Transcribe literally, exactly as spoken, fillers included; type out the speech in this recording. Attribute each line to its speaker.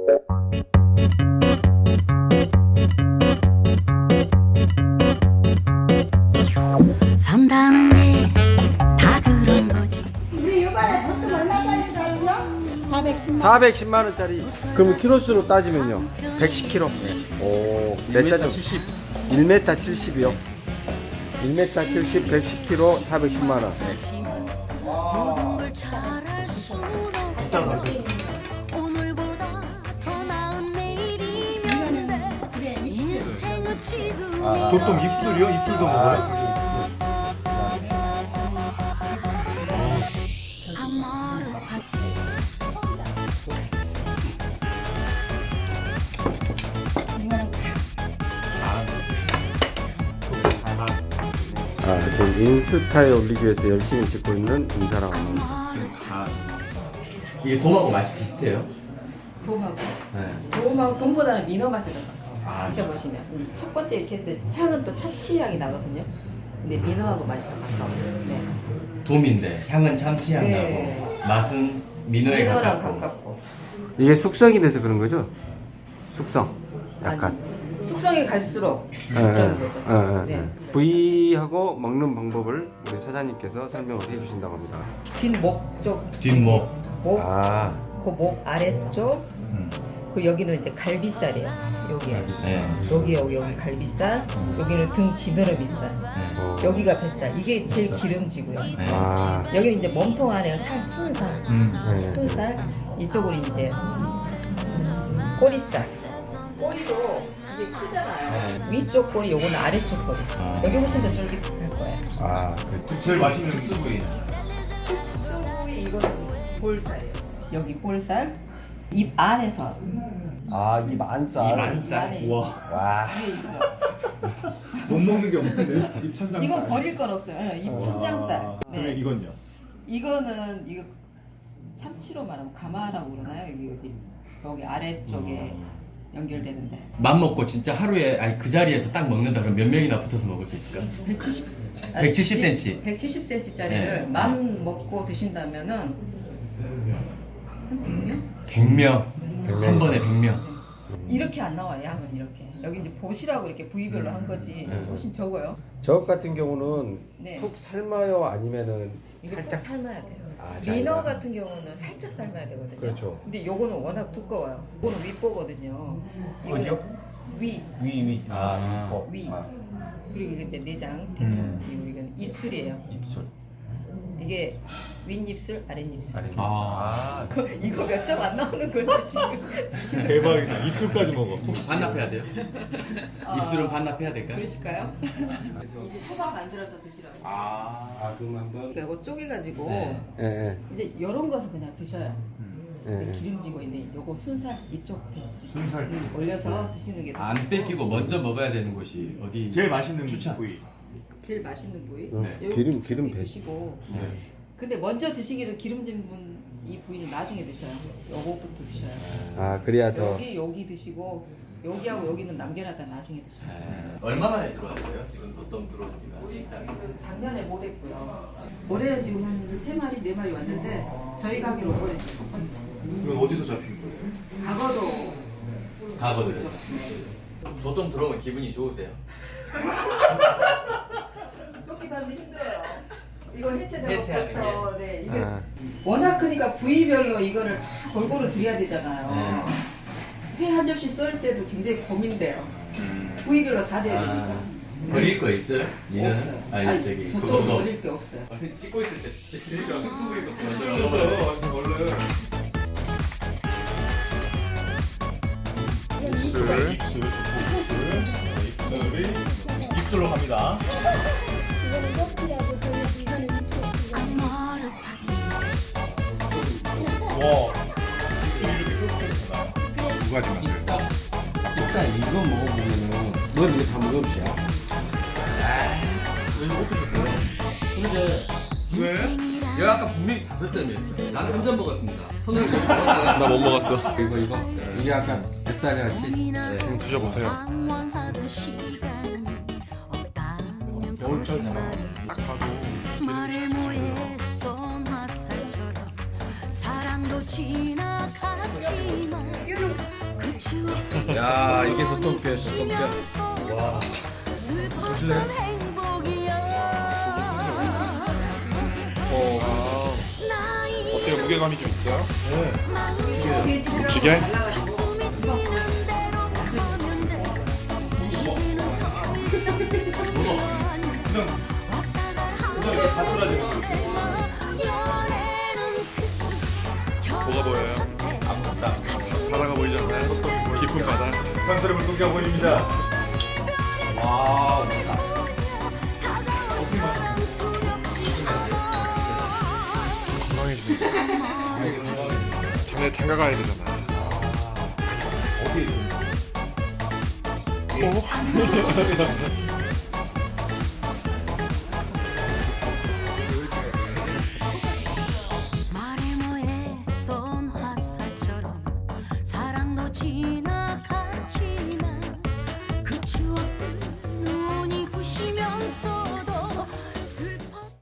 Speaker 1: 산다는 게 다 그런 거지.
Speaker 2: 사백십만 원짜리. 그럼 키로수로 따지면요? 백십 킬로. 오, 몇 자죠? 칠십. 일 미터 칠십이요. 일 미터 칠십, 백십 킬로, 사백십만 원.
Speaker 1: 모든 걸 잘할 순 없어. 오늘보다 더 나은 내일이면 돼. 인생은 지금.
Speaker 3: 보통 입술이요? 입술도 먹어요?
Speaker 2: 아, 지금 인스타에 올리기 위해서 열심히 찍고 있는 인사랑 합니다.
Speaker 4: 이게 돔하고 맛이 비슷해요?
Speaker 5: 돔하고
Speaker 4: 네.
Speaker 5: 돔하고 돔보다는 민어 맛이 더 나요.
Speaker 4: 아,
Speaker 5: 드셔보시면 음, 첫 번째 이렇게 했을 때 향은 또 참치 향이 나거든요. 근데 민어하고 맛이 더 가까워요. 네.
Speaker 4: 돔인데 향은 참치향
Speaker 5: 네.
Speaker 4: 나고 맛은 민어에
Speaker 5: 민어랑
Speaker 4: 가깝고.
Speaker 5: 가깝고.
Speaker 2: 이게 숙성이 돼서 그런 거죠? 숙성. 약간.
Speaker 5: 아니, 숙성이 갈수록
Speaker 2: 예,
Speaker 5: 그러는
Speaker 2: 예,
Speaker 5: 거죠.
Speaker 2: 예, 예,
Speaker 5: 네.
Speaker 2: 예. 부위하고 먹는 방법을 우리 사장님께서 설명을 해주신다고 합니다.
Speaker 5: 뒷목 쪽
Speaker 4: 뒷목.
Speaker 5: 목,
Speaker 2: 아,
Speaker 5: 그 목 아래쪽, 그 여기는 이제 갈비살이에요. 여기에.
Speaker 4: 네.
Speaker 5: 여기 여기 여기 갈비살, 여기는 등 지느러미살,
Speaker 2: 어.
Speaker 5: 여기가 뱃살. 이게 제일 기름지고요.
Speaker 2: 아,
Speaker 5: 여기는 이제 몸통 안에 살, 순살,
Speaker 2: 네.
Speaker 5: 순살. 이쪽으로 이제 꼬리살. 꼬리도 이게 크잖아요. 위쪽 꼬리, 요거는 아래쪽 꼬리.
Speaker 4: 아.
Speaker 5: 여기 훨씬 더 쫄깃할 거예요.
Speaker 2: 아, 그
Speaker 3: 제일 맛있는 특수부위.
Speaker 5: 특수부위 이거는 볼살이에요. 여기 볼살, 입 안에서
Speaker 2: 아, 이 만살.
Speaker 4: 이 만살.
Speaker 5: 안에
Speaker 3: 와,
Speaker 2: 와,
Speaker 5: 위에 있죠.
Speaker 3: 못 먹는 게 없는데 입천장살.
Speaker 5: 이건 버릴 건 없어요. 예, 입 천장살.
Speaker 3: 아,
Speaker 5: 네.
Speaker 3: 그러면 이건요?
Speaker 5: 이거는 이거 참치로 말하면 가마라고 그러나요? 여기 여기 여기 아래쪽에 연결되는데
Speaker 4: 맘 먹고 진짜 하루에 아니 그 자리에서 딱 먹는다 그러면 몇 명이나 붙어서 먹을 수 있을까?
Speaker 5: 백칠십
Speaker 4: 백칠십 센티미터.
Speaker 5: 백칠십 센티미터짜리를
Speaker 4: 네.
Speaker 5: 맘 먹고 드신다면은 한 백 명?
Speaker 4: 백 명. 한 번에 백 명.
Speaker 5: 이렇게 안 나와요. 양은 이렇게. 여기 이제 보시라고 이렇게 부위별로 한 거지. 훨씬 적어요.
Speaker 2: 저 같은 경우는
Speaker 5: 네.
Speaker 2: 푹 삶아요? 아니면은
Speaker 5: 이거
Speaker 2: 살짝?
Speaker 5: 꼭 삶아야 돼요.
Speaker 2: 아,
Speaker 5: 민어
Speaker 2: 잘
Speaker 5: 같은 경우는 살짝 삶아야 되거든요.
Speaker 2: 그렇죠.
Speaker 5: 근데 요거는 워낙 두꺼워요. 이거는 윗보거든요. 이거는
Speaker 3: 어디요?
Speaker 5: 위,
Speaker 3: 위, 위.
Speaker 4: 아.
Speaker 3: 어.
Speaker 5: 위.
Speaker 3: 아.
Speaker 5: 그리고 이게 내장, 대장.
Speaker 4: 음.
Speaker 5: 그리고 이건 입술이에요.
Speaker 4: 입술.
Speaker 5: 이게 윗입술, 아랫입술.
Speaker 4: 아래.
Speaker 3: 아,
Speaker 5: 그, 이거 몇 점 안 나오는 건데 지금.
Speaker 3: 대박이다. 입술까지 먹어.
Speaker 4: 혹시 반납해야 돼요?
Speaker 5: 아.
Speaker 4: 입술은 반납해야 될까?
Speaker 5: 그러실까요? 이제 초밥 만들어서 드시라고.
Speaker 3: 아,
Speaker 2: 아, 그럼 한번.
Speaker 5: 그러니까 이거 쪼개가지고
Speaker 4: 네.
Speaker 2: 예, 예.
Speaker 5: 이제 이런 것은 그냥 드셔요. 근데
Speaker 2: 예.
Speaker 5: 기름지고 있는데 요거 순살 이쪽
Speaker 3: 순살.
Speaker 5: 음, 올려서 드시는 게 더
Speaker 4: 안
Speaker 5: 좋고.
Speaker 4: 뺏기고 먼저 먹어야 되는 곳이 어디?
Speaker 3: 제일 맛있는
Speaker 4: 추천.
Speaker 3: 부위.
Speaker 5: 제일 맛있는 부위.
Speaker 2: 음,
Speaker 5: 요거
Speaker 2: 기름- 기름 배-
Speaker 5: 드시고.
Speaker 4: 네.
Speaker 5: 근데 먼저 드시기를 기름진 분 이 부위는 나중에 드셔요. 요거부터 드셔요.
Speaker 2: 아, 그래야 더.
Speaker 5: 여기 여기 드시고 여기하고 여기는 남겨놨다 나중에 드셔요.
Speaker 4: 네. 얼마 만에 들어왔어요? 지금 보통 들어온
Speaker 5: 우리
Speaker 4: 지가?
Speaker 5: 지금 작년에 못 했고요. 올해는 지금 한 세 마리 네 마리 왔는데 저희 가게로 올해 첫 번째.
Speaker 3: 이건 어디서 잡힌 거예요?
Speaker 5: 과거도
Speaker 4: 가거든요. 보통 들어오면 기분이 좋으세요?
Speaker 5: 쫓기도 하는데 힘들어요. 이거 해체
Speaker 4: 해체하는
Speaker 5: 작업부터 네 이게
Speaker 2: 아,
Speaker 5: 워낙 크니까 부위별로 이거를 다 골고루 드려야 되잖아요.
Speaker 4: 네.
Speaker 5: 회 한 접시 썰 때도 굉장히 고민돼요. 부위별로 다 돼야 되니까.
Speaker 4: 아, 버릴 거 있어요? 니는?
Speaker 5: 없어요.
Speaker 4: 아니,
Speaker 5: 아니,
Speaker 4: 저기
Speaker 5: 보통
Speaker 4: 그거도
Speaker 5: 버릴 게 없어요.
Speaker 4: 아니, 찍고 있을 때 진짜
Speaker 3: 입술. 입술. 입술. 입술이 입술로 갑니다.
Speaker 6: 이거는 옆이라고 저는 이거는 이쪽
Speaker 3: 와, 입술이 이렇게 쫄깃쫄깃하다. 두 가지 맛을.
Speaker 2: 일단 이거 먹어보면은, 넌 이거 다 먹어보시야.
Speaker 3: 왜?
Speaker 4: 내가 아까 분명히 다섯 점이었어요. 나는 한 점 먹었습니다. 손을 나
Speaker 3: 나 못 먹었어.
Speaker 2: 이거, 이거. 이게 아까 뱃살이 같이.
Speaker 3: 한번 드셔보세요.
Speaker 1: 방황하는 시간은 없다면
Speaker 4: 겨울철 되나?
Speaker 3: 딱 봐도
Speaker 1: 말을 모해서 화살처럼 사랑도 지나갔지만
Speaker 2: 야 이게 도톰뼈 도톰뼈. 와. 보실래요? 어.
Speaker 3: 어때요? 무게감이 좀 있어요?
Speaker 5: 돼지뼈가
Speaker 3: 묵직해?
Speaker 5: 달라가지고 금방 보여요.
Speaker 3: 뭐가 보여요? 아무것도 바다가 보이지 않나요? 깊은 바다. 전설의 물고기가 보입니다. 건강해지네. 자네 장가 가야 되잖아. 코?
Speaker 1: 말해 뭐해 쏜 화살처럼 사랑도 지나갔지만 그 추억